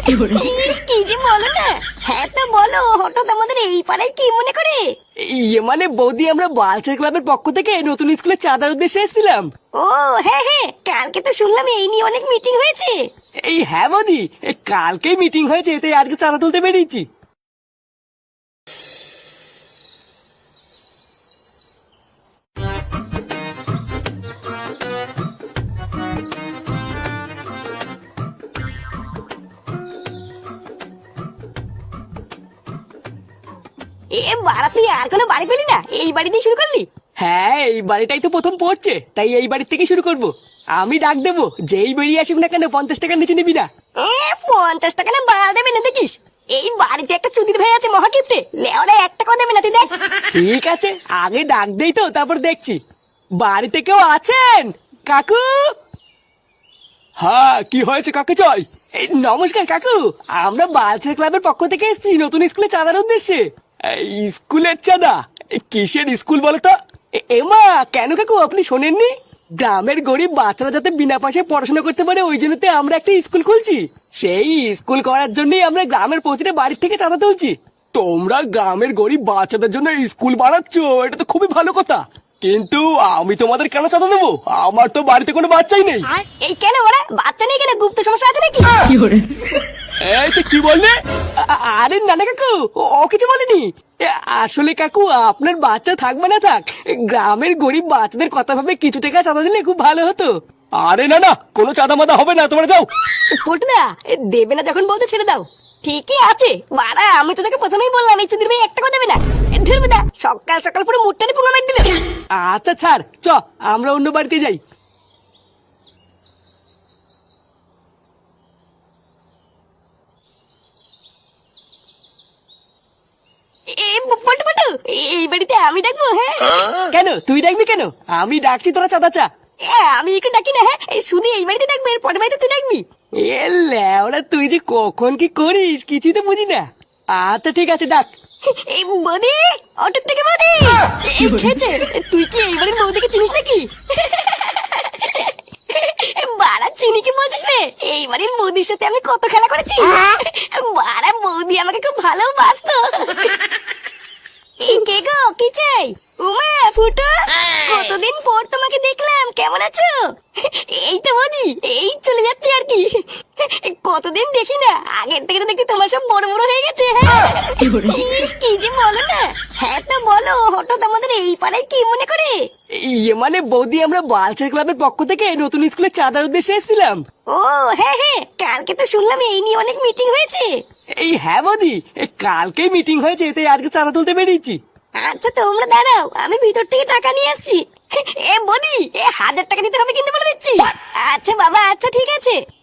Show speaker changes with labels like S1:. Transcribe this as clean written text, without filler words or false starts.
S1: ইস, কি যে বলো না। হ্যাঁ তো বলো, হঠাৎ আমাদের এই পাড়ায় কি মনে করে?
S2: মানে বৌদি, আমরা বালচার ক্লাবের পক্ষ থেকে নতুন স্কুলে চাঁদার উদ্দেশ্যে এসেছিলাম।
S1: ও হ্যাঁ হ্যাঁ, কালকে তো শুনলাম এই নিয়ে অনেক মিটিং হয়েছে।
S2: হ্যাঁ বৌদি, কালকেই মিটিং হয়েছে, তাই আজকে চাঁদা তুলতে বেরিয়েছি।
S1: বাড়া, তুই আর কোনো বাড়ি পেলি না, এই বাড়ি দিয়ে শুরু করলি?
S2: হ্যাঁ, এই বাড়িটাই তো প্রথম পড়ছে, তাই এই বাড়ির থেকে শুরু করব। আমি ডাক দেবো, যেই বেরিয়ে আসুক না কেন 50 টাকার নিচে নিবি না।
S1: 50 টাকা না বাড়া দেবে না দেখিস। এই বাড়িতে একটা চুদির ভাই আছে মহাকিপ্টে, লেওরা 1 টাকাও দেবে না, তুই দেখ।
S2: ঠিক আছে, আগে ডাক দেই তো, তারপর দেখছি। বাড়িতে কেউ আছেন কাকু? হ্যাঁ, কি হয়েছে, কাকে চাই? নমস্কার কাকু, আমরা বালচার ক্লাবের পক্ষ থেকে এসেছি নতুন স্কুলে চাঁদার উদ্দেশ্যে। স্কুলের চাঁদা? কিসের স্কুল বলো তো? এমা, কেন কাকু, আপনি শোনেননি? গ্রামের গরিব বাচ্চারা যাতে বিনা পয়সায় পড়াশোনা করতে পারে, ওই জন্যতে আমরা একটা স্কুল খুলছি। সেই স্কুল করার জন্যই আমরা গ্রামের প্রতিটা বাড়ির থেকে চাঁদা তুলছি। তোমরা গ্রামের গরিব বাচ্চাদের জন্য স্কুল বানাচ্ছ, এটা তো খুবই ভালো কথা, কিন্তু আমি তোমাদের কেন চাঁদা দেবো? আমার তো বাড়িতে কোনো বাচ্চাই নেই।
S1: এই কেন ওরা বাচ্চা নেই কেন, গুপ্ত সমস্যা আছে নাকি?
S2: এই তো কি বললে? আরে না না কাকু, ও কিছু বলেনি। আসলে কাকু, আপনার বাচ্চা থাকবে না থাক, গ্রামের গরিব বাচ্চাদের কথা ভাবে কিছু টাকা চাঁদা দিলে খুব ভালো হতো। আরে না না, কোনো চাঁদা মাদা হবে না, তোমরা যাও।
S1: পটুদা, দেবে না যখন বলতে ছেড়ে দাও। ঠিকই আছে বাড়া, আমি তো তোকে প্রথমেই বললাম এই চুদির ভাই 1 টাকাও দেবে না। ধরবেদা, সকাল সকাল পুরো মুটটানি পুঙ্গা মার দিল।
S2: আচ্ছা ছাড়, আমরা অন্য বাড়িতে যাই।
S1: পটু পটু, এই বাড়িতে আমি ডাকবো? হ্যাঁ
S2: কেন তুই ডাকবি কেন? আমি ডাকছি, তোরা চাঁদা চা।
S1: আমি একটু ডাকি না। হ্যাঁ, শুধু এই বাড়িতে ডাকবে, এর পরের বাড়িতে তুই ডাকবি?
S2: লেওরা, তুই যে কখন কি করিস কিছুই তো বুঝি না। আচ্ছা ঠিক আছে, ডাক।
S1: এই বৌদি, অটোর থেকে বৌদি, এই খেয়েছে। তুই কি এই বাড়ির বৌদিকে চিনিস নাকি? বাড়া, চিনি কি বলছিস রে? এই বাড়ির বৌদির সাথে আমি কত খেলা করেছি। বাড়া, বৌদি আমাকে খুব ভালোবাসতো। এই কে গো, কি চাই? উমা, ফুটো, কতদিন পর তোমাকে দেখলাম, কেমন আছো? এই তো বৌদি, এই চলে যাচ্ছে আর কি। কতদিন দেখি না, আগের থেকে তো দেখি তোমার সব বড় বড় হয়ে গেছে। হ্যাঁ, ইস, কি যে বলো না। হ্যাঁ তো বলো, হঠাৎ আমাদের এই পাড়ায় কি মনে করে?
S2: মানে বৌদি, আমরা বালচার ক্লাবের পক্ষ থেকে নতুন স্কুলে চাঁদার উদ্দেশ্যে এসেছিলাম।
S1: ও হ্যাঁ হ্যাঁ, কালকে তো শুনলাম এই নিয়ে অনেক মিটিং হয়েছে।
S2: হ্যাঁ বৌদি, কালকেই মিটিং হয়েছে, তাই আজকে চাঁদা তুলতে বেরিয়েছি।
S1: আচ্ছা তোমরা দাঁড়াও, আমি ভিতর থেকে টাকা নিয়ে আসছি। বৌদি, 1000 টাকা দিতে হবে কিন্তু বলে দিচ্ছি। আচ্ছা বাবা, আচ্ছা ঠিক আছে।